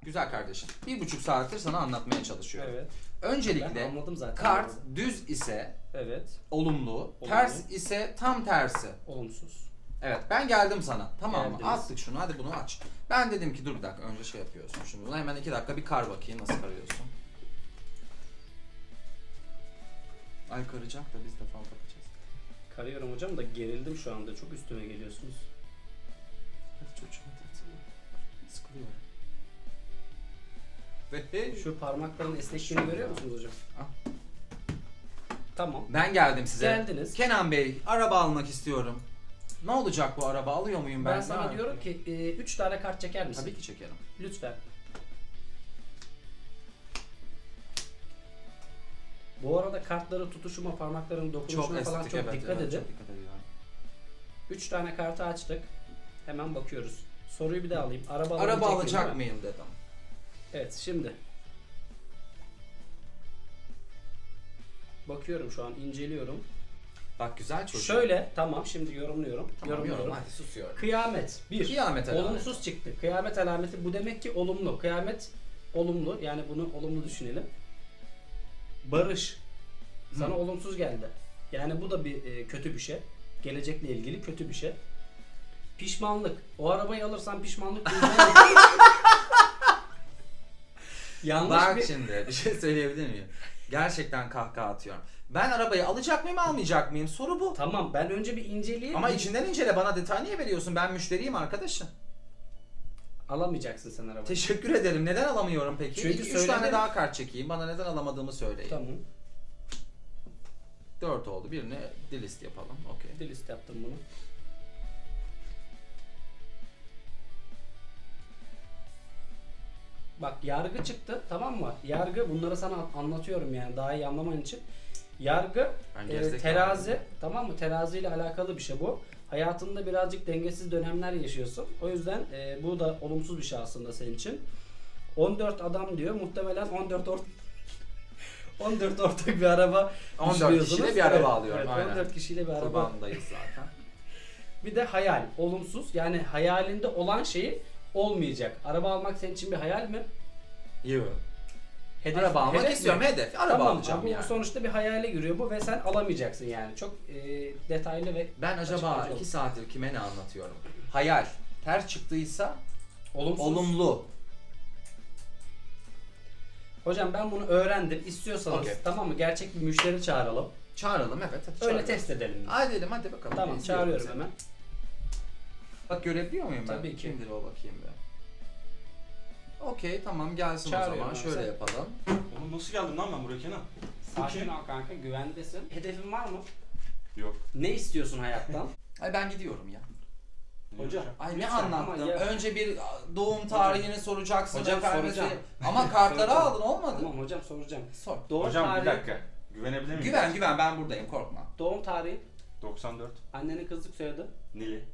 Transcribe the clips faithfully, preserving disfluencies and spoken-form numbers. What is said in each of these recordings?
Güzel kardeşim. Bir buçuk saattir sana anlatmaya çalışıyorum. Evet. Öncelikle Ben anladım zaten. kart düz ise Evet. olumlu, Olumlu. ters ise tam tersi. Olumsuz. Evet, ben geldim sana. Tamam mı? Geldiniz. Attık şunu. Hadi bunu aç. Ben dedim ki dur bir dakika önce şey yapıyorsun. Şimdi buna hemen iki dakika bir kar bakayım nasıl karıyorsun. Ay karacak da biz de fal bakacağız. Karıyorum hocam da gerildim şu anda. Çok üstüme geliyorsunuz. Hadi çocuğum hadi. Sıkılıyor. Ve Şu parmakların esnekliğini görüyor musunuz hocam? Al. Tamam. ben geldim size. Geldiniz. Kenan Bey, araba almak istiyorum. Ne olacak bu araba? Alıyor muyum ben? Ben sana Ne diyorum ki üç tane kart çeker misin? Tabii ki çekerim. Lütfen. Bu arada kartları tutuşuma, parmakların dokunuşuna Çok falan estetik, çok evet, dikkat evet, edin. Çok dikkat ediyorum. üç tane kartı açtık. Hemen bakıyoruz. Soruyu bir daha alayım. Araba, Araba alabilecek alacak miyim, değil mi? mıyım dedim. Evet, şimdi. Bakıyorum şu an, inceliyorum. Bak güzel çocuk. Şöyle, tamam şimdi yorumluyorum. Tamam yorumluyorum. yorum hadi susuyorum. Kıyamet. Bir. Kıyamet alameti. Olumsuz çıktı. Kıyamet alameti bu demek ki olumlu. Kıyamet olumlu. Yani bunu olumlu düşünelim. Barış. Sana Hı. olumsuz geldi. Yani bu da bir e, kötü bir şey. Gelecekle ilgili kötü bir şey. Pişmanlık. O arabayı alırsan pişmanlık duyacağın- Yanlış Bak bir... şimdi bir şey söyleyebilir miyim? Gerçekten kahkaha atıyorum. Ben arabayı alacak mıyım almayacak mıyım? Soru bu. Tamam ben önce bir inceleyeyim. Ama içinden incele, bana detay niye veriyorsun? Ben müşteriyim arkadaşım. Alamayacaksın sen arabayı. Teşekkür ederim. Neden alamıyorum peki? Çünkü Üç söyledim. tane daha kart çekeyim. Bana neden alamadığımı söyleyin. Tamam. Dört oldu. Birini delist yapalım. Okey. Delist yaptım bunu. Bak yargı çıktı, tamam mı? Yargı, bunları sana an- anlatıyorum yani daha iyi anlaman için. Yargı Ben e, gerizekalı terazi, mıyım? tamam mı? Terazi ile alakalı bir şey bu. Hayatında birazcık dengesiz dönemler yaşıyorsun. O yüzden e, bu da olumsuz bir şey aslında senin için. on dört adam diyor. Muhtemelen on dört ort on dört ortak bir araba on dört düşünüyorsunuz. kişiyle bir araba Evet, alıyorum, Evet, aynen. on dört kişiyle bir araba. Kurbandayız zaten. Bir de hayal, olumsuz. Yani hayalinde olan şeyi olmayacak. Araba almak senin için bir hayal mi? Yok. Hedef, Araba almak hedef istiyorum. mi? Hedef. Araba Tamam, alacağım bu yani. sonuçta bir hayale giriyor bu ve sen alamayacaksın yani. Çok e, detaylı ve Ben acaba açıklayıcı iki oldu. saattir kime ne anlatıyorum? Hayal. Ters çıktıysa olumsuz. olumlu. Hocam ben bunu öğrendim. İstiyorsanız Okey. tamam mı? Gerçek bir müşteri çağıralım. Çağıralım evet. Hadi Öyle çağıralım. test edelim. biz. Hadi edelim hadi bakalım. Tamam, İzliyorum çağırıyorum seni. hemen. Bak görebiliyor muyum ben? Tabii ki. Kimdir o bakayım bir. Okey tamam gelsin o Çağırıyorum zaman. ben Şöyle seni. yapalım. Oğlum nasıl geldim lan ben buraya Kenan? Sakin ol kanka, güvendesin. Hedefin var mı? Yok. Ne istiyorsun hayattan? Ay ben gidiyorum ya. Hocam. Ay ne Lütfen, anlattım? ama ya- Önce bir doğum tarihini soracaksın. Hocam efendim, soracağım. şey- Ama kartları Soracağım. aldın olmadı. Tamam hocam soracağım. Sor. Doğum Hocam tarihi, bir dakika. Güvenebilir miyim? Güven güven ben buradayım korkma. Doğum tarihi, doksan dört. annenin kızlık soyadı. Nili.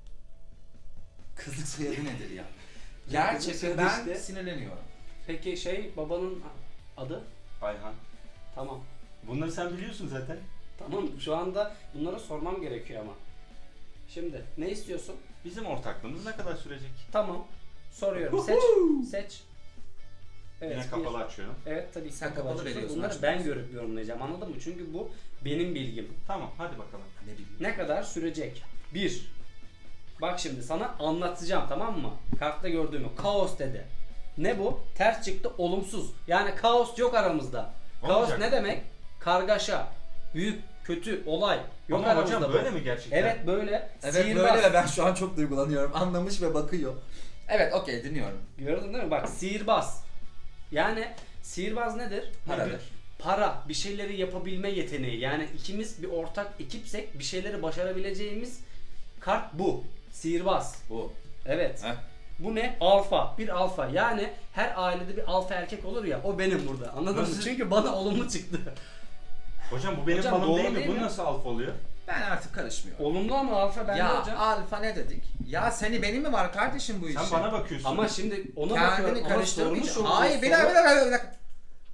Kızlık soyadı nedir ya? Kızlık Gerçekten soyadı ben işte. sinirleniyorum. Peki şey babanın adı? Ayhan. Tamam. Bunları sen biliyorsun zaten. Tamam şu anda bunları sormam gerekiyor ama. Şimdi ne istiyorsun? Bizim ortaklığımız ne kadar sürecek? Tamam. Soruyorum. Seç. Seç. Evet. Yine bir. kapalı açıyorum. Evet tabii ki Sen kapalı kapalı açıyorsun. veriyorsun, Bunları açmıyorsun. ben görüp yorumlayacağım. Anladın mı? Çünkü bu benim bilgim. Tamam hadi bakalım. Ne bileyim. Ne kadar sürecek? Bir. Bak şimdi sana anlatacağım tamam mı? Kartta gördüğümü. Kaos dedi. Ne bu? Ters çıktı olumsuz. Yani kaos yok aramızda. Kaos Olmayacak. ne demek? Kargaşa. Büyük, kötü, olay. Yok Ama aramızda hocam bu. böyle mi gerçekten? Evet böyle. Evet Sihirbaz. böyle ve ben şu an çok duygulanıyorum. Anlamış ve bakıyor. Evet okey dinliyorum. Gördün değil mi? Bak sihirbaz. Yani sihirbaz nedir? Paradır. Para, bir şeyleri yapabilme yeteneği. Yani ikimiz bir ortak ekipsek bir şeyleri başarabileceğimiz kart bu. Sihirbaz. Bu. Evet. Heh. Bu ne? Alfa. Bir alfa. Yani her ailede bir alfa erkek olur ya. O benim burada. Anladın mı? Nasıl? Çünkü bana olumlu çıktı. Hocam bu benim Hocam falım doğru değil mi? değil Bu mi? nasıl alfa oluyor? Ben artık karışmıyorum. Olumlu ama alfa bende Ya hocam. alfa ne dedik? Ya seni benim mi var kardeşim bu işin? Sen bana bakıyorsun. Ama şimdi ona Kendini bakıyorum. Ama karıştırmayacaksın. sormuş olduğu Hayır bir soru- dakika bir dakika bir dakika.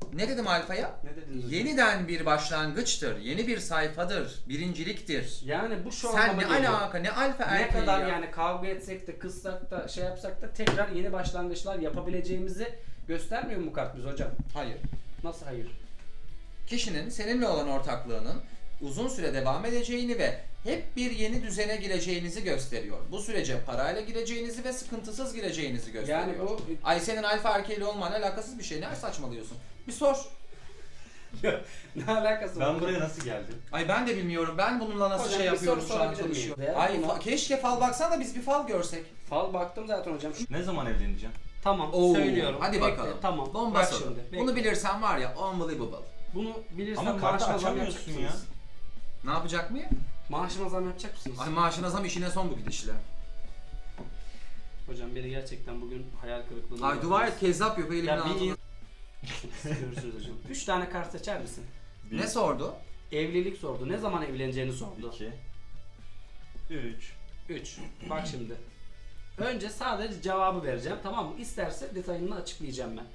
Ne dedim alfaya? Ne dediniz hocam? Yeniden bir başlangıçtır. Yeni bir sayfadır. Birinciliktir. Yani bu şu Sen anlama ne geliyor. alaka? Ne alfa Ne erkeği kadar ya? yani kavga etsek de kızsak da şey yapsak da tekrar yeni başlangıçlar yapabileceğimizi göstermiyor mu kart biz hocam? Hayır. Nasıl hayır? Kişinin seninle olan ortaklığının uzun süre devam edeceğini ve hep bir yeni düzene gireceğinizi gösteriyor. Bu sürece parayla gireceğinizi ve sıkıntısız gireceğinizi gösteriyor. Yani bu Ay senin alfa erkeğiyle olmanla alakasız bir şey. Ne saçmalıyorsun? Bir sor. ne alakası var? Ben buraya nasıl geldim? Ay ben de bilmiyorum. Ben bununla nasıl Hocam, şey bir yapıyorum soru şu an sorabilir miyim? çalışıyorum. Değer Ay buna- fa- keşke fal baksan da biz bir fal görsek. Fal baktım zaten hocam. Şu- Ne zaman evleneceğim? Tamam Oo, söylüyorum. hadi Bekle, bakalım. Tamam. Bomba Bak soru. şimdi. bekle. Bunu bilirsen var ya unbelievable. Bunu bilirsen Ama kartı maaşıma zam açamıyorsun yapacak ya. mısınız? Ne yapacak mıyım? Maaşıma zam yapacak mısınız? Ay maaşına zam işine son bu gidişle. Hocam biri gerçekten bugün hayal kırıklığına Ay dua et kezzap yapıyor elimin Ya bir altına. Görüşürüz hocam. Üç tane kart seçer misin? Bir, Ne sordu? Evlilik sordu. Ne zaman evleneceğini sordu. iki, üç. Üç. Bak şimdi. Önce sadece cevabı vereceğim. Tamam mı? İsterse detayını açıklayacağım ben.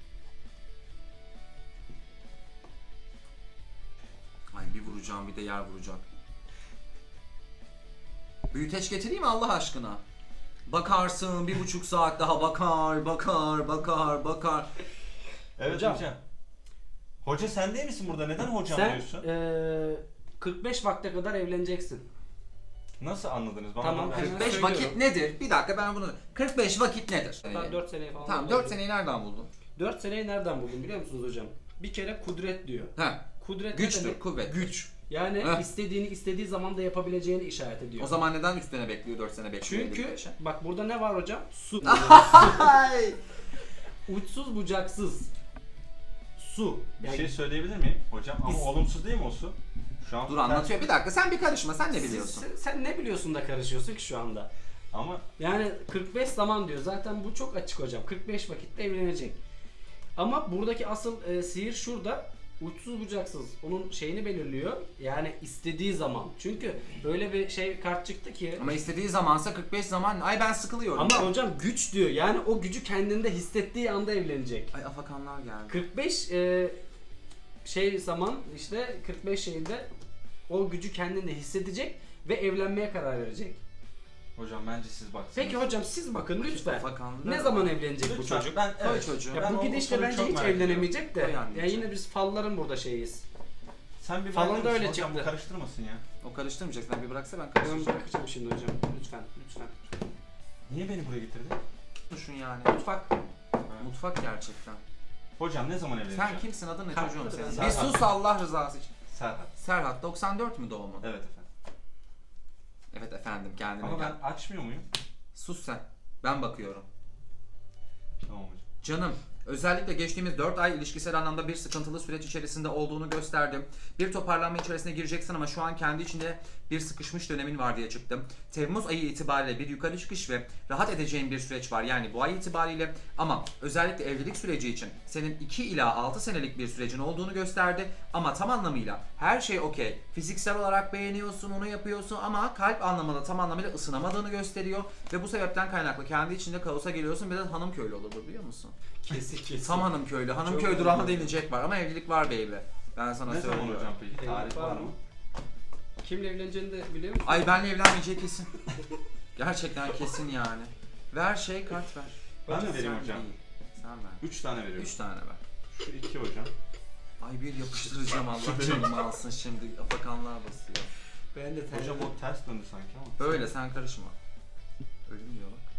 Ay bir vuracağım bir de yer vuracak. Büyüteç getireyim mi Allah aşkına? Bakarsın bir buçuk saat daha bakar bakar bakar bakar. Evet Hocam. hocam. Hoca sen değil misin burada? Neden hocam Sen diyorsun? eee, kırk beş vakte kadar evleneceksin. Nasıl anladınız? Bana Tamam, bak- hemen kırk beş söylüyorum. vakit nedir? Bir dakika ben bunu... kırk beş vakit nedir? Ben Ee, dört seneyi falan Tamam dört seneyi nereden buldun? dört seneyi nereden buldum biliyor musunuz hocam? Bir kere kudret diyor. Heh, Kudret ne güçtür, demek? kuvvet. Güç. Yani Heh. istediğini istediği zaman da yapabileceğini işaret ediyor. O zaman neden üç sene bekliyor, dört sene bekliyor? Çünkü elli beşe? bak burada ne var hocam? Su. Ay! Uçsuz bucaksız. Su. Bir Yani şey söyleyebilir miyim hocam? Ama Biz- olumsuz değil mi o su? Şu an Dur anlatıyor bir dakika sen bir karışma sen ne siz- biliyorsun? Sen, sen ne biliyorsun da karışıyorsun ki şu anda? Ama Yani kırk beş zaman diyor. Zaten bu çok açık hocam. kırk beş vakitte evlenecek. Ama buradaki asıl e, sihir şurada. Uçsuz bucaksız. Onun şeyini belirliyor. Yani istediği zaman. Çünkü böyle bir şey kart çıktı ki. Ama istediği zamansa kırk beş zaman ay ben sıkılıyorum. Ama hocam güç diyor. Yani o gücü kendinde hissettiği anda evlenecek. Ay afakanlar geldi. kırk beş e, şey zaman işte kırk beş şeyinde o gücü kendinde hissedecek ve evlenmeye karar verecek. hocam bence siz baksınız. Peki hocam siz bakın lütfen. Afakanlar. Ne zaman evlenecek bu Lütfen. çocuk? Ben, Koy evet. çocuğu. Ya Ben bu o- o gidişle soruyu bence çok hiç merak ediyorum. evlenemeyecek de. Koy Ya anneciğim. yine biz falların burada şeyiz. Sen bir Falan bırakır da mısın öyle hocam? çıktı. Bu karıştırmasın ya. O karıştırmayacak sen bir bıraksa ben Ben karıştıracağım. bırakacağım şimdi hocam. Lütfen, lütfen. Niye beni buraya getirdin? Düşün yani. Mutfak. Mutfak gerçekten. Hocam ne zaman evleneceğim? Sen kimsin adın ne Kalk, çocuğum hadi senin? ben Bir Serhat. sus Allah rızası için. Serhat. Serhat doksan dört mü doğumun? Evet efendim. Evet efendim kendine Ama gel. ben açmıyor muyum? Sus sen. Ben bakıyorum. Tamam hocam. Canım, özellikle geçtiğimiz dört ay ilişkisel anlamda bir sıkıntılı süreç içerisinde olduğunu gösterdim. Bir toparlanma içerisine gireceksin ama şu an kendi içinde bir sıkışmış dönemin var diye çıktım. Temmuz ayı itibariyle bir yukarı çıkış ve rahat edeceğin bir süreç var yani bu ay itibariyle, ama özellikle evlilik süreci için senin iki ila altı senelik bir sürecin olduğunu gösterdi ama tam anlamıyla her şey okey. Fiziksel olarak beğeniyorsun, onu yapıyorsun ama kalp anlamında tam anlamıyla ısınamadığını gösteriyor ve bu sebepten kaynaklı kendi içinde kaosa geliyorsun. Biraz hanım köylü olur bu, biliyor musun? Kesin kesin. Tam hanım köylü. Hanım Çok köy önemli. durağına denilecek var ama evlilik var baby. Ben sana Ne zaman söylüyorum. hocam peki? Evlilik Tarih var var mı? mı? Kimle evleneceğini de biliyor musun? Ay benle evlenmeyeceği kesin. Gerçekten kesin yani. Ver şey kart ver. Ben Hocam de vereyim Sen hocam. değil. Sen ver. Üç tane veriyorum. Üç tane ver. Şu iki hocam. Ay bir yapıştıracağım Allah canımı alsın şimdi. Afakanlar basıyor. Ben de Hocam o ters döndü sanki ama. Böyle sen karışma. Ölüm diyor bak.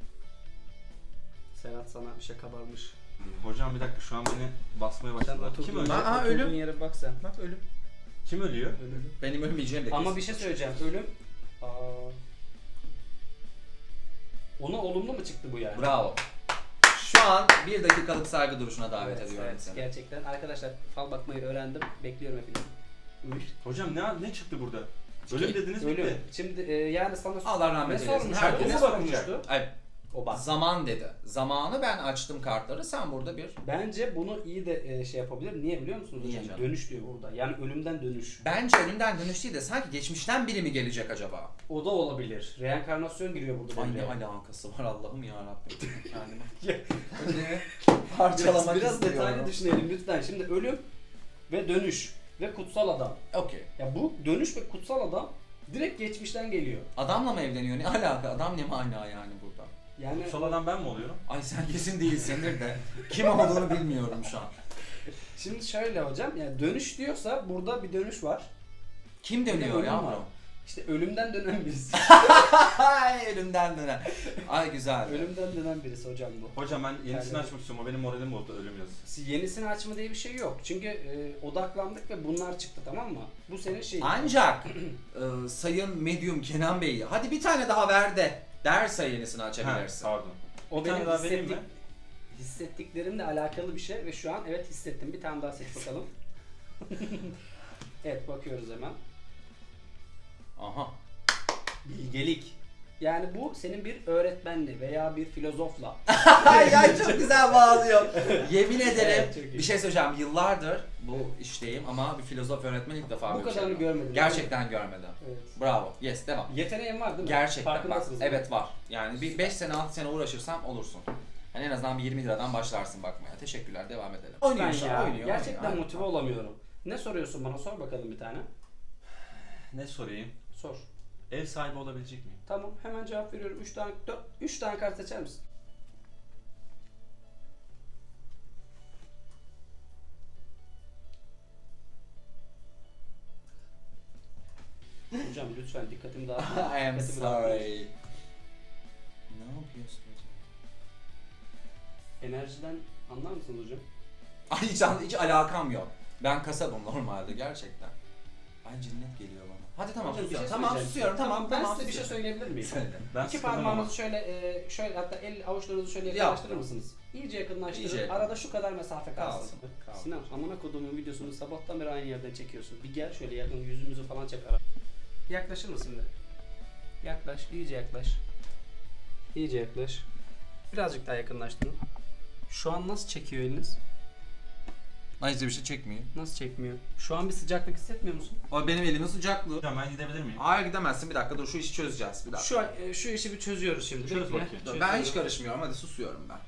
Serhat sana bir şey kabarmış. Hocam bir dakika şu an beni basmaya Sen başladılar. oturduğun, Kim yere, ölüyor? Aa, oturduğun ölüm. yere bak sen. Bak ölüm. Kim ölüyor? Ölüm. Benim ölmeyeceğim de kesin. Ama bir şey söyleyeceğim. Ölüm. Aa. Ona olumlu mu çıktı bu yani? Bravo. Şu an bir dakikalık saygı duruşuna davet Evet, ediyorum evet. seni. Gerçekten arkadaşlar fal bakmayı öğrendim. Bekliyorum hepinizi. Uy. Hocam ne ne çıktı burada? Ölüm dediniz Ölüm. bitti. Şimdi e, yani sana Allah rahmet ne eylesin. sormuş? Herkes Ne ne sormuştu? bakacak? Ay O bak. Zaman dedi. Zamanı ben açtım kartları. Sen burada bir... Bence bunu iyi de e, şey yapabilir. Niye biliyor musunuz Niye hocam? canım? Dönüş diyor burada. Yani ölümden dönüş. Bence önümden dönüş değil de sanki geçmişten biri mi gelecek acaba? O da olabilir. Reenkarnasyon giriyor burada. Ay ne devreye. alakası var Allah'ım yarabbim kendime. Ya, Önce Biraz, parçalamak biraz istiyorum. detaylı düşünelim lütfen. Şimdi ölüm ve dönüş ve kutsal adam. Okey. Ya bu dönüş ve kutsal adam direkt geçmişten geliyor. Adamla mı evleniyor? Ne alaka? Adam ne mana yani burada? Yani Kutsal adam ben mi oluyorum? Ay sen kesin değilsindir de kim olduğunu bilmiyorum şu an. şimdi şöyle hocam, yani dönüş diyorsa burada bir dönüş var. Kim Bir de dönüyor ölüm yavrum? var. İşte ölümden dönen birisi. Ay ölümden dönen. Ay güzel. ölümden dönen birisi hocam bu. Hocam ben yenisini Yani- açmak istiyorum. O benim moralim bozdu ölüm yazısı. Yenisini açma diye bir şey yok. Çünkü e, odaklandık ve bunlar çıktı, tamam mı? Bu senin şeyin. Ancak e, sayın medyum Kenan Bey hadi bir tane daha ver de derse yenisini Ha, açabilirsin. pardon. O Bir tane benim daha vereyim hissettik, mi? hissettiklerimle alakalı bir şey ve şu an evet hissettim. Bir tane daha seç bakalım. evet, bakıyoruz hemen. Aha. Bilgelik. Yani bu senin bir öğretmenle veya bir filozofla. Ay ay çok güzel bağlıyor. Yemin ederim Evet, çok iyi. bir şey söyleyeceğim. Yıllardır bu işteyim ama bir filozof öğretmen ilk defa Bu böyle bir kadarını şey. görmedim. Gerçekten görmedim. Evet. Bravo. Yes devam. Yeteneğin var değil mi? Gerçekten bak. Farkındasınız değil mi? Evet var. Yani bir beş sene altı sene uğraşırsam olursun. Yani en azından bir yirmi liradan başlarsın bakmaya. Teşekkürler. Devam edelim. Oynuyor Ben şu ya, an, oynuyor. gerçekten oynuyor. motive olamıyorum. Ne soruyorsun bana? Sor bakalım bir tane. Ne sorayım? Sor. Ev sahibi olabilecek miyim? Tamam, hemen cevap veriyorum. üç tane dört üç tane kart seçer misin? Hocam lütfen dikkatimi dağıtma. I am Dikkatimi dağıtma. sorry. Ne yapıyorsun hocam? Enerjiden anlar mısınız hocam? Ay hiç, hiç alakam yok. Ben kasabım normalde gerçekten. Ay cinnet geliyor bana. Hadi tamam Hocam, bir susuyorum. şey tamam söyleyeceğim. susuyorum. Tamam Ben tamam. size bir şey susuyorum. söyleyebilir miyim? Söyle. Ben İki sıkıldım ama. parmağınızı şöyle, e, şöyle hatta el avuçlarınızı şöyle Yap. yakınlaştırır mısınız? İyice yakınlaştırın. İyice yakın. Arada şu kadar mesafe kalsın. Kalsın, kalsın. Sinan, amına koduğumun videosunu sabahtan beri aynı yerden çekiyorsun. Bir gel şöyle yakın, yüzümüzü falan çek ara. Yaklaşır mısın bir? Yaklaş, iyice yaklaş. İyice yaklaş. Birazcık daha yakınlaştırın. Şu an nasıl çekiyor eliniz? Ay bir şey çekmiyor. Nasıl çekmiyor? Şu an bir sıcaklık hissetmiyor musun? O benim elimin sıcaklığı. Hocam ben gidebilir miyim? Hayır gidemezsin bir dakika dur şu işi çözeceğiz bir dakika. Şu an- e, şu işi bir çözüyoruz şimdi. Çöz Bekle. bakayım. Dur, Çözüyorum. ben hiç karışmıyorum hadi susuyorum ben.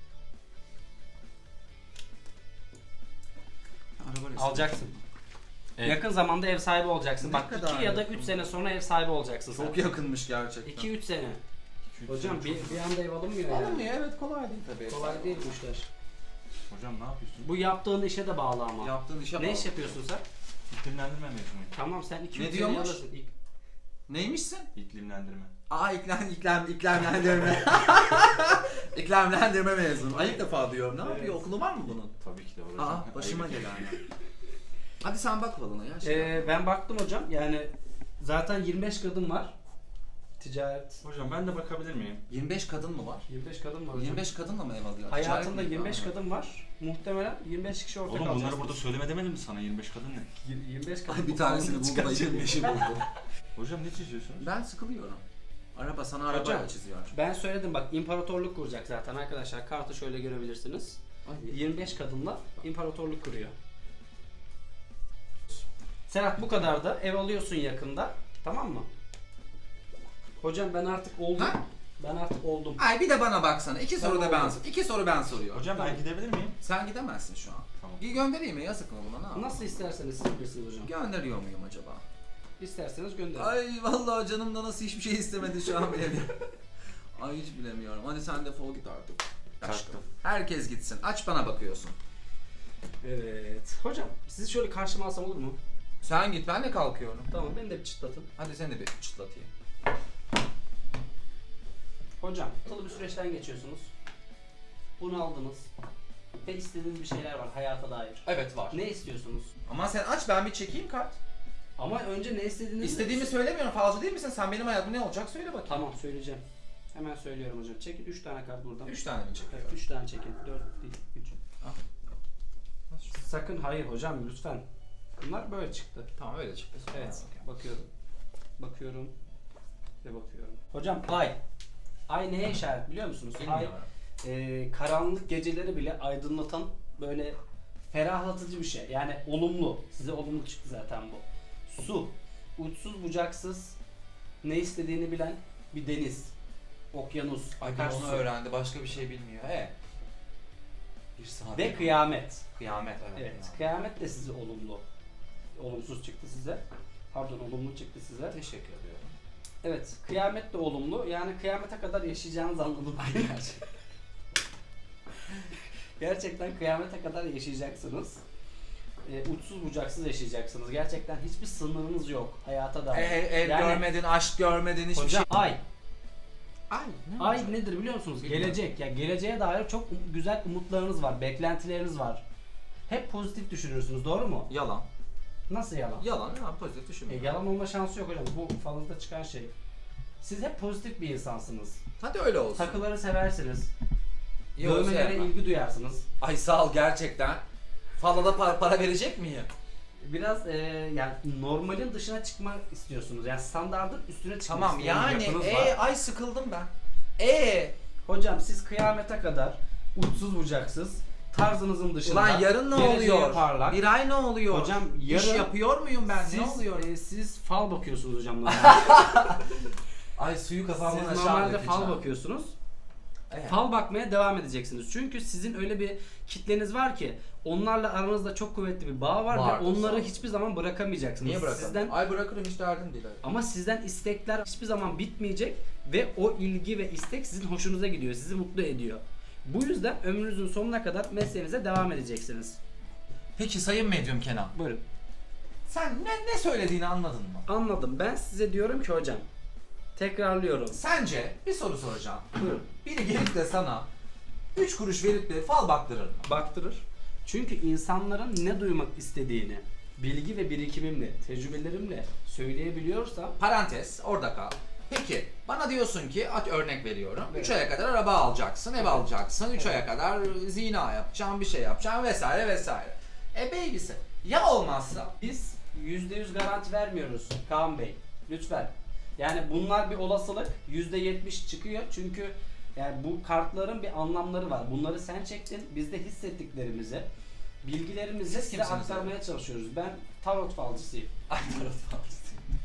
Araba resmi. Alacaksın. Evet. Yakın zamanda ev sahibi olacaksın. Ne Bak kadar iki ya da yakın? üç sene sonra ev sahibi olacaksın sen. Çok yakınmış gerçekten. iki üç sene. İki, üç Hocam sene bir, çok- bir anda ev alınmıyor yani. Alınmıyor evet kolay değil tabii. Kolay değil bu işler. Hocam ne yapıyorsun? Bu yaptığın işe de bağlı ama. Yaptığın işe ne bağlı. iş yapıyorsun sen? İklimlendirme mezunuyum. Tamam sen iki Ne üç sene diyormuş? alırsın. İlk- Neymişsin? İklimlendirme. Aa iklem, iklem, iklemlendirme. İklemlendirme mezunu. Ay ilk defa diyorum. Ne yapıyor? Evet. Okulu var mı bunun? Tabii ki de hocam. Aa başıma Ayıp. gelen ya. Hadi sen bak balına ya. Şey Ee, yapma. ben baktım hocam yani zaten yirmi beş kadın var. Ticaret. Hocam ben de bakabilir miyim? yirmi beş kadın mı var? yirmi beş kadın var hocam. yirmi beş kadınla mı ev alıyor? Hayatında Ticaret mi yirmi beş yapıyor? kadın var. Muhtemelen yirmi beş kişi ortak Oğlum alacaksınız. bunları burada söyleme demedim mi sana? yirmi beş kadın ne? yirmi beş kadın. Ay bir bu tanesini kanunu buldu da çıkaracak. yirmi beşi buldu. Hocam ne çiziyorsunuz? Ben sıkılıyorum. Araba sana araba Hocam, çiziyor. Ben söyledim bak imparatorluk kuracak zaten arkadaşlar. Kartı şöyle görebilirsiniz. Ay, yirmi beş kadınla imparatorluk kuruyor. Serhat bu kadar da ev alıyorsun yakında. Tamam mı? Hocam ben artık oldum. Ha? Ben artık oldum. Ay bir de bana baksana. İki soru da ben oldum. iki soru ben soruyorum. Hocam Tamam. ben gidebilir miyim? Sen gidemezsin şu an. Tamam. Bir göndereyim mi? Yazık mı buna? Ne yapayım? Nasıl isterseniz siz bilirsiniz hocam. Gönderiyor muyum acaba? İsterseniz gönderin. Ay vallahi canımda nasıl hiçbir şey istemedi şu an bilemiyorum. Ay hiç bilemiyorum. Hadi sen defol git artık. Aşkım. Kalktım. Herkes gitsin. Aç bana bakıyorsun. Evet. Hocam sizi şöyle karşıma alsam olur mu? Sen git ben de kalkıyorum. Tamam beni de bir çıtlatın. Hadi seni de bir çıtlatayım. Hocam sıkıntılı bir süreçten geçiyorsunuz. Bunu aldınız. Ve istediğiniz bir şeyler var hayata dair. Evet var. Ne istiyorsunuz? Ama sen aç ben bir çekeyim kart. Ama önce ne istediğinizi... İstediğimi söylemiyorum. Falcı değil misin? Sen benim hayatım ne olacak söyle bakayım. Tamam söyleyeceğim. Hemen söylüyorum hocam. Çekin üç tane kart buradan. Üç tane mi Evet, çekiyorum? üç tane çekin. dört değil, üç. Ah. Sakın hayır hocam lütfen. Bunlar böyle çıktı. Tamam öyle çıktı. Evet, bakıyorum. Bakıyorum ve bakıyorum. Hocam ay. Ay neye işaret biliyor musunuz? Ay Bilmiyorum. e, karanlık geceleri bile aydınlatan böyle ferahlatıcı bir şey. Yani olumlu. Size olumlu çıktı zaten bu. Su. Uçsuz bucaksız ne istediğini bilen bir deniz. Okyanus. Ay bir akarsu. onu öğrendi. Başka bir şey bilmiyor. He. Bir saat. Ve kıyamet. Kıyamet evet. Evet. kıyamet. Kıyamet de size olumlu. Olumsuz çıktı size. Pardon olumlu çıktı size. Teşekkür ediyorum. Evet. Kıyamet de olumlu. Yani kıyamete kadar yaşayacağınızı anladım. Gerçekten kıyamete kadar yaşayacaksınız. Ee, uçsuz bucaksız yaşayacaksınız. Gerçekten hiçbir sınırınız yok hayata dair. Ev, ev Yani- görmedin, aşk görmedin, hiçbir Hocam, şey. ay. Ay. Ne Ay olacak? nedir biliyor musunuz? Bilmiyorum. Gelecek. Ya geleceğe dair çok um- güzel umutlarınız var, beklentileriniz var. Hep pozitif düşünürsünüz, doğru mu? Yalan. Nasıl yalan? Yalan. Ya pozitif E, düşünmüyorum. yalan olma şansı yok hocam. Bu falınızda çıkan şey. Siz hep pozitif bir insansınız. Hadi öyle olsun. Takıları seversiniz. Yok, Dövmelere sevmem. ilgi duyarsınız. Ay sağ ol gerçekten. Falada para, para verecek miyim? Biraz e, yani normalin dışına çıkmak istiyorsunuz. Yani standardın üstüne çıkmak Tamam isteyen bir yani yapınız e var. ay sıkıldım ben. E Hocam siz kıyamete kadar uçsuz bucaksız tarzınızın dışında ulan yarın ne geleceğe oluyor? parlak. Bir ay ne oluyor? Hocam İş yarın yapıyor muyum ben? siz, ne oluyor? e, siz fal bakıyorsunuz hocam. normalde. Ay suyu kafamdan siz aşağı normalde dökeceğim. fal bakıyorsunuz. Evet. Fal bakmaya devam edeceksiniz. Çünkü sizin öyle bir kitleniz var ki onlarla aranızda çok kuvvetli bir bağ var, Var, ve onları sağ ol. hiçbir zaman bırakamayacaksınız. Niye bırakalım? Sizden Ay bırakırım hiç derdim değil. Ama sizden istekler hiçbir zaman bitmeyecek ve o ilgi ve istek sizin hoşunuza gidiyor, sizi mutlu ediyor. Bu yüzden ömrünüzün sonuna kadar mesleğinize devam edeceksiniz. Peki sayın medyum Kenan. Buyurun. Sen ne, ne söylediğini anladın mı? Anladım. Ben size diyorum ki hocam, tekrarlıyorum. Sence bir soru soracağım. Buyurun. Biri gelip de sana üç kuruş verip de fal baktırır mı? Baktırır. Çünkü insanların ne duymak istediğini bilgi ve birikimimle, tecrübelerimle söyleyebiliyorsam Parantez orada kal. Peki bana diyorsun ki at örnek veriyorum. üç Evet. aya kadar araba alacaksın, ev Evet. alacaksın. üç Evet. aya kadar zina yapacaksın, bir şey yapacaksın vesaire vesaire. E baby'si. Ya olmazsa? biz yüzde yüz garanti vermiyoruz Kaan Bey. Lütfen. Yani bunlar bir olasılık. yüzde yetmiş çıkıyor. Çünkü yani bu kartların bir anlamları var. Bunları sen çektin. Biz de hissettiklerimizi, bilgilerimizi Siz size kimsiniz aktarmaya çalışıyoruz. Ben tarot falcısıyım. Ay tarot falcısı.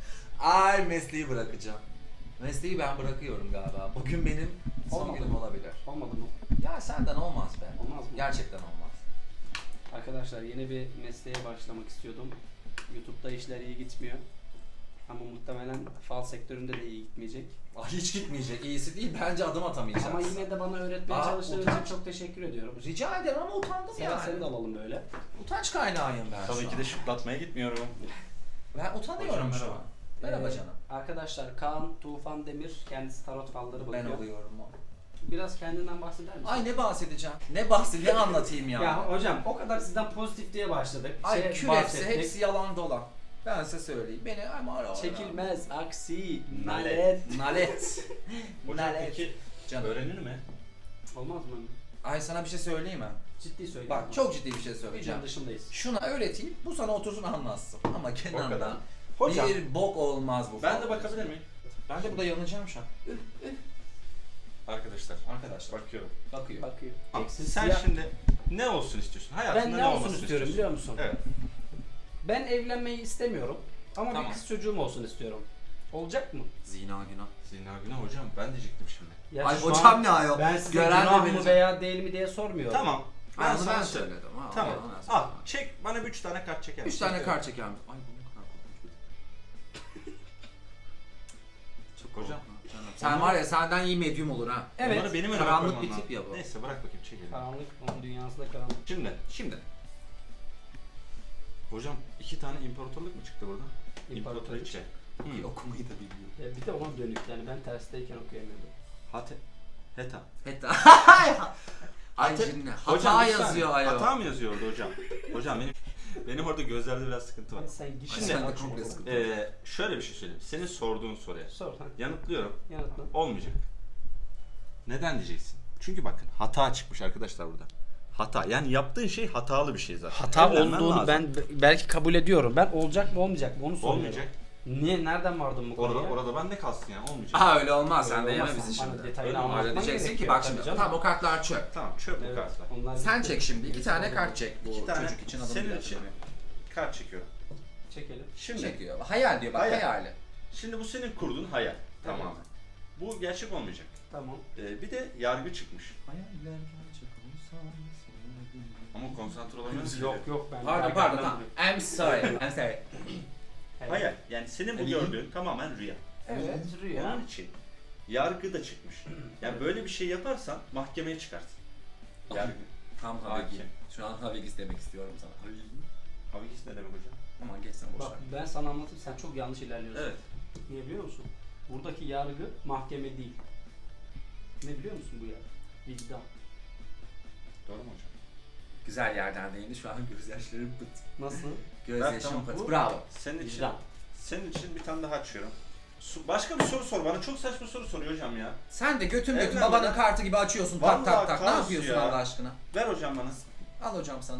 Ay mesleği bırakacağım. Mesleği ben bırakıyorum galiba. Bugün benim son Olmadı günüm mı? olabilir. Olmadı mı? Ya senden olmaz be. Olmaz mı? Gerçekten olmaz. Arkadaşlar yeni bir mesleğe başlamak istiyordum. YouTube'da işler iyi gitmiyor. Ama muhtemelen fal sektöründe de iyi gitmeyecek. Ay hiç gitmeyecek. İyisi değil. Bence adım atamayacağız. Ama yine de bana öğretmeye Aa, çalıştığın için utanç. çok teşekkür ediyorum. Rica ederim ama utandım Sena yani. seni de alalım böyle. Utanç kaynağıyım ben Tabii şu ki an. de şıklatmaya gitmiyorum. Ben utanıyorum Hocam, şu merhaba. an. Merhaba Ee, canım. Arkadaşlar Kaan Tufan Demir kendisi tarot falları bakıyor. Ben oluyorum o. Biraz kendinden bahseder misin? Ay ne bahsedeceğim? Ne bahsedeceğim? Ne anlatayım ya? Ya hocam o kadar sizden pozitif diye başladık. Ay Şey, kül hepsi, bahsettik. hepsi yalan dolan. Ben size söyleyeyim. Beni ama ara ara. Çekilmez, aksi, Nalet. nalet. Nalet. Hocam Nalet. peki Canım. öğrenir mi? Olmaz mı? Ay sana bir şey söyleyeyim mi? Ciddi söylüyorum. Bak çok ciddi bir şey Videonun söyleyeceğim. dışındayız. Şuna öğreteyim, bu sana otursun anlatsın. Ama O Kenan'dan kadar. Hocam bir bok olmaz bu. ben falan. de bakabilir miyim? Ben de burada yanacağım şu an. Arkadaşlar. Arkadaşlar. Bakıyorum. Bakıyor. Bakıyor. Bak, Eksiz sen siyah. şimdi ne olsun istiyorsun? Hayatında Ben ne, ne olsun olmasını istiyorum biliyor musun? Evet. Ben evlenmeyi istemiyorum. Ama Tamam. bir kız çocuğum olsun istiyorum. Olacak mı? Zina günah. Zina günah hocam ben diyecektim şimdi. Ya Ay şu hocam an ne ayol? Ben size Gören de günah mı verecek. veya değil mi diye sormuyorum. Tamam. Ben Ben onu sana ben söyledim. söyledim. Ha, Tamam. onu ben Al söyledim. çek bana bir üç tane kart çeker Üç misin? tane Çekiyorum. kart çeker misin? Ay bu ne kadar korkunç bir Çok hocam. Canım. Sen var ya senden iyi medyum olur ha. Evet. Onları benim önüme Karanlık koymam bir lazım. tip ya bu. Neyse bırak bakayım çekelim. Karanlık, onun dünyasında karanlık. Şimdi Şimdi. hocam iki tane imparatorluk mu çıktı burada? İmparatoriçe. İmparatoriçe. Hı. Okumayı da biliyor. Ya bir de ona dönük yani ben tersteyken okuyamıyordum. Hate. Heta. Hatta. Ay Hata- cinne. Hocam, Hata bir saniye. yazıyor ayol. Hata mı yazıyor orada hocam? Hocam benim benim orada gözlerde biraz sıkıntı var. Hadi sen git. Şimdi- Sen de Bak komple şunu. sıkıntı. Ee, şöyle bir şey söyleyeyim. Senin sorduğun soruya Sor ha. yanıtlıyorum. Yanıtla. Olmayacak. Neden diyeceksin? Çünkü bakın hata çıkmış arkadaşlar burada. Hata. Yani yaptığın şey hatalı bir şey zaten. Hata Evlenmen olduğunu lazım. ben belki kabul ediyorum. Ben olacak mı olmayacak mı onu soruyorum. Olmayacak. Niye? Nereden vardın bu konuya? Orada, orada bende kalsın yani olmayacak. Aha öyle olmaz, sen de Öyle yeme olmaz. bizi Bana şimdi. detayını Öyle mi? anlatman Öyle diyeceksin ki gerekiyor bak şimdi tabii canım. tamam o kartlar çöp. Tamam çöp bu Evet, kartlar. onlar Sen bitti. çek şimdi iki Biz tane orada- kart çek bu İki tane çocuk için adını senin bile için hatırlamıyorum. kart çekiyorum. Çekelim. Şimdi Çekiyor. Hayal diyor bak Hayal. hayali. şimdi bu senin kurduğun hayal tamamen. Bu gerçek olmayacak. Tamam. Ee, bir de yargı çıkmış. Hayaller gerçek olsa Ama konsantre olamıyoruz. Yok yok ben. Pardon ben pardon gelmem tamam. buraya. I'm sorry. I'm sorry. Evet. Hayal. Yani senin bu Evet. gördüğün tamamen rüya. Evet rüya. Onun için yargı da çıkmış. Yani böyle bir şey yaparsan mahkemeye çıkarsın. Yargı. Tam Hakim. Havigis. Şu an Havigis demek istiyorum sana. Havigis ne demek hocam? Aman geç sen boş Bak ver. ben sana anlatayım sen çok yanlış ilerliyorsun. Evet. Niye biliyor musun? Buradaki yargı mahkeme değil. Ne biliyor musun bu yargı? Vicdan. Doğru mu hocam? Güzel yerden değindi şu an gözyaşlarım pıt. Nasıl? Gözyaşım tamam, pıt. bu- Bravo. Senin için, Vicdan. senin için bir tane daha açıyorum. Su- Başka bir soru sor bana. Çok saçma soru soruyor hocam ya. Sen de götüm götüm Evlenmeden- babanın kartı gibi açıyorsun tak Vallahi tak tak. Ne kaos yapıyorsun ya. Allah aşkına? Ver hocam bana. Al hocam sana.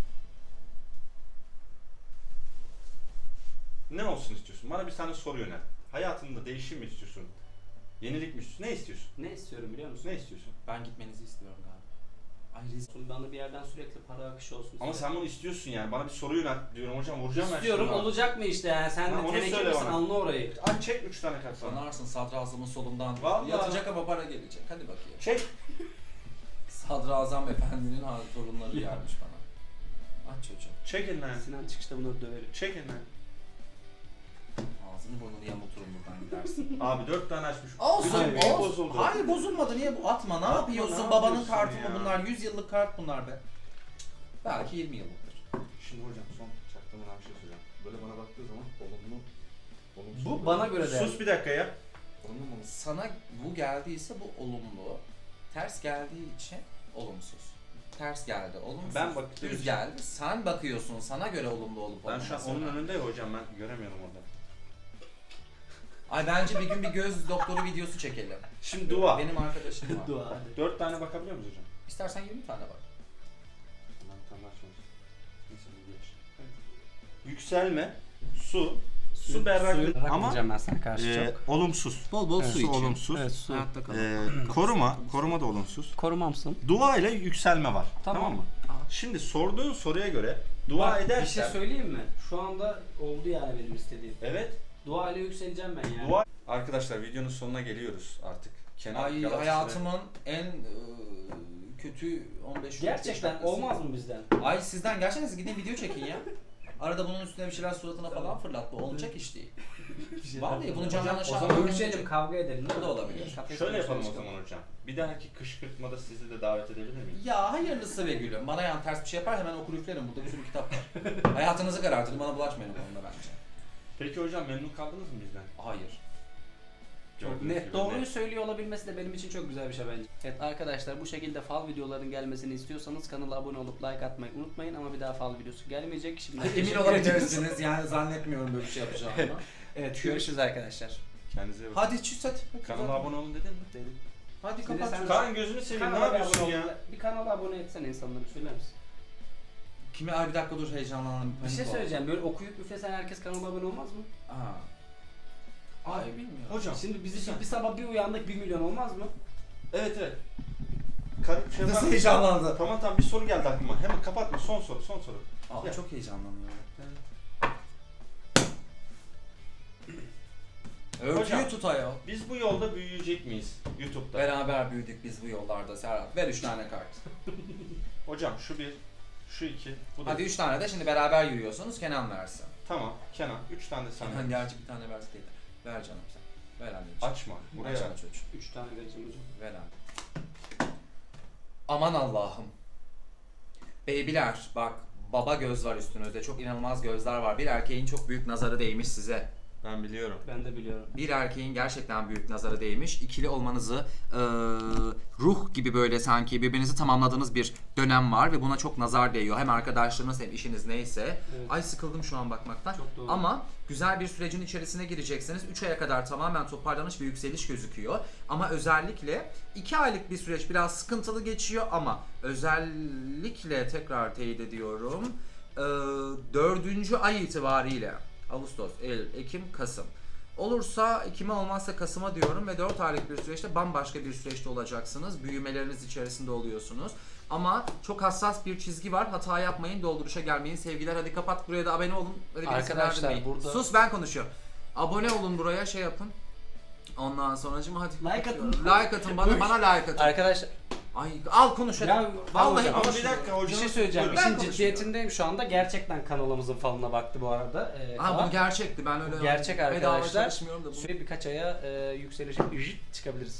Ne olsun istiyorsun? Bana bir tane soru yönel. Hayatında değişim mi istiyorsun? Yenilik mi istiyorsun? Ne istiyorsun? Ne istiyorum biliyor musun? Ne istiyorsun? Ben gitmenizi istiyorum galiba. Ay rezil. Bana bir yerden sürekli para akışı olsun. Ama istiyorum. sen bunu istiyorsun yani. Bana bir soru yönel diyorum hocam. Vuracağım ben İstiyorum şimdi. olacak mı işte yani sen Ha, de onu teneke söyle misin bana. anla orayı. Ay çek üç tane kart sana. Sanarsın sadrazamın solundan. Vallahi. Yatacak ama para gelecek. Hadi bakayım. Çek. Sadrazam efendinin ha- torunları gelmiş bana. Aç çocuğum. Çek elinden. Sinan çıkışta bunları döverim. Çek elinden. Ağzını burnunu yamulturum buradan gidersin. Abi dört tane açmış. Olsun, Bütün büyü olsun. bozuldu. Hayır bozulmadı. Niye bu? Atma. Ne Atma, yapıyorsun? ne Babanın yapıyorsun kartı ya? mı bunlar? yüz yıllık kart bunlar be. Belki yirmi yıllıktır. Şimdi hocam son çaktırmadan bir şey soracağım. Böyle bana baktığı zaman olumlu, olumsuz. Bu bana göre de. Sus bir dakika ya. Olumlu mu? Sana bu geldiyse bu olumlu. Ters geldiği için olumsuz. Ters geldi olumsuz. Ben baktığım Düz için- geldi. Sen bakıyorsun. Sana göre olumlu olup Ben şu an olmaması onun önemli. önünde ya hocam ben göremiyorum orada. Ay bence bir gün bir göz doktoru videosu çekelim. Şimdi dua. Benim arkadaşım var. Dua hadi. Dört tane bakabiliyor muyuz hocam? İstersen yirmi tane bak. Ben bir tane daha açmamışım. Neyse bu geç. Yükselme, su, su berraklık ama ben sana karşı e, çok. olumsuz. Bol bol Evet, su olumsuz. Evet, su. Hayatta kal. E, koruma, koruma da olumsuz. Korumamsın. Dua ile yükselme var. Tamam. Tamam, mı? Şimdi sorduğun soruya göre dua Bak, edersen. bir şey söyleyeyim mi? Şu anda oldu yani benim istediğim. Evet. Dua ile yükseleceğim ben yani. Dua. Arkadaşlar videonun sonuna geliyoruz artık. Kenan Ay Galatasaray- hayatımın en e, kötü on beş Gerçekten dakikası. olmaz mı bizden? Ay sizden gerçekten siz gidin video çekin ya. Arada bunun üstüne bir şeyler suratına falan fırlat. Bu olacak iş değil. Vallahi bunu canlı O aşağı zaman ölçelim, kavga edelim. O da olabilir. Kafes Şöyle yapalım o konuşalım. zaman hocam. Bir dahaki kışkırtmada sizi de davet edebilir miyim? Ya hayırlısı ve gülüm. Bana yan ters bir şey yapar hemen okur üflerim. Burada bir sürü kitap var. Hayatınızı karartırım. Bana bulaşmayın o konuda bence. Peki hocam memnun kaldınız mı bizden? Hayır. Çok Gördüğünüz net. gibi Doğruyu net. söylüyor olabilmesi de benim için çok güzel bir şey bence. Evet arkadaşlar bu şekilde fal videoların gelmesini istiyorsanız kanala abone olup like atmayı unutmayın ama bir daha fal videosu gelmeyecek. Şimdi Emin teşekkür olabilirsiniz. Yani zannetmiyorum böyle bir şey yapacağımı. ediyoruz. Evet görüşürüz arkadaşlar. Kendinize iyi bakın. Hadi çüz hadi. Kanala abone olun dedin mi? Hadi Bir de kapat. sen- Kaan gözünü seveyim ne Kanala bir yapıyorsun abone ya? ol- Bir kanala abone etsen insanları söyler misin? Kime? Ay bir dakika dur heyecanlandım. Bir şey Panik söyleyeceğim. Böyle okuyup üflesen herkes kanala abone olmaz mı? oldum. Aa. Ay bilmiyorum. Hocam. Şimdi biz Güzel. bir sabah bir uyandık bir milyon olmaz mı? Evet evet. Kar şey Nasıl var- heyecanlandı? Tamam tamam bir soru geldi aklıma. Hemen kapatma son soru son soru. Aa, Ya. çok heyecanlanıyorum. Hocam. Örtüyü tut ayol. Biz bu yolda büyüyecek miyiz YouTube'da? Beraber büyüdük biz bu yollarda Serhat. Ver üç tane kart. Hocam şu bir, şu iki, bu da. Hadi üç tane de şimdi beraber yürüyorsunuz. Kenan versin. Tamam Kenan. Üç tane de sen Kenan ver. gerçi bir tane verseydi. Ver canım sen. Ver anneciğim. Açma. Buraya Aç ver. ana çocuğum. Üç tane vereceğim hocam. Ver anne. Aman Allah'ım. Beybiler bak baba göz var üstünüzde. Çok inanılmaz gözler var. Bir erkeğin çok büyük nazarı değmiş size. Ben biliyorum. Ben de biliyorum. Bir erkeğin gerçekten büyük nazarı değmiş. İkili olmanızı eee, ruh gibi böyle sanki birbirinizi tamamladığınız bir dönem var ve buna çok nazar değiyor. Hem arkadaşlarınız hem işiniz neyse. Evet. Ay sıkıldım şu an bakmaktan. Çok doğru. Ama güzel bir sürecin içerisine gireceksiniz. üç aya kadar tamamen toparlanış ve yükseliş gözüküyor. Ama özellikle iki aylık bir süreç biraz sıkıntılı geçiyor ama özellikle tekrar teyit ediyorum. eee, dördüncü ay itibariyle Ağustos, Eylül, Ekim, Kasım. Olursa Ekim'e olmazsa Kasım'a diyorum ve dört aylık bir süreçte bambaşka bir süreçte olacaksınız. Büyümeleriniz içerisinde oluyorsunuz. Ama çok hassas bir çizgi var. Hata yapmayın, dolduruşa gelmeyin. Sevgiler, hadi kapat, buraya da abone olun. Hadi bir isim Arkadaşlar, verdirmeyin. burada- Sus, ben konuşuyorum. Abone olun, buraya şey yapın. Ondan sonracığım hadi. Like kapatıyorum. atın. Like atın bana, bana like atın. Arkadaşlar Ay al konuş hadi. Ya, Vallahi hocam, Ama konuş. bir dakika bir hocam. şey söyleyeceğim. Ben İşin konuşmuyorum. ciddiyetindeyim şu anda. Gerçekten kanalımızın falına baktı bu arada. Ee, Ha Kaan. bu gerçekti, ben öyle Gerçek bedava arkadaşlar. çalışmıyorum da bu. Süre birkaç aya e, yükselişe çıkabiliriz.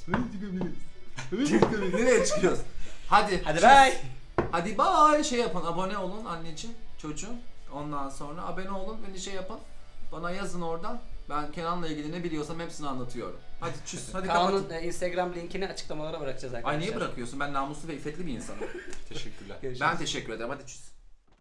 Nereye çıkıyoruz? Hadi. Hadi çöz. bye. Hadi bye. Şey yapın, abone olun anneciğim, çocuğum. Ondan sonra abone olun, beni şey yapın. Bana yazın oradan. Ben Kenan'la ilgili ne biliyorsam hepsini anlatıyorum. Hadi çüz, hadi Kaan'ın kapatın. e, Instagram linkini açıklamalara bırakacağız arkadaşlar. Ay niye bırakıyorsun? Ben namuslu ve iffetli bir insanım. Teşekkürler. Görüşürüz. Ben teşekkür ederim. Hadi çüz.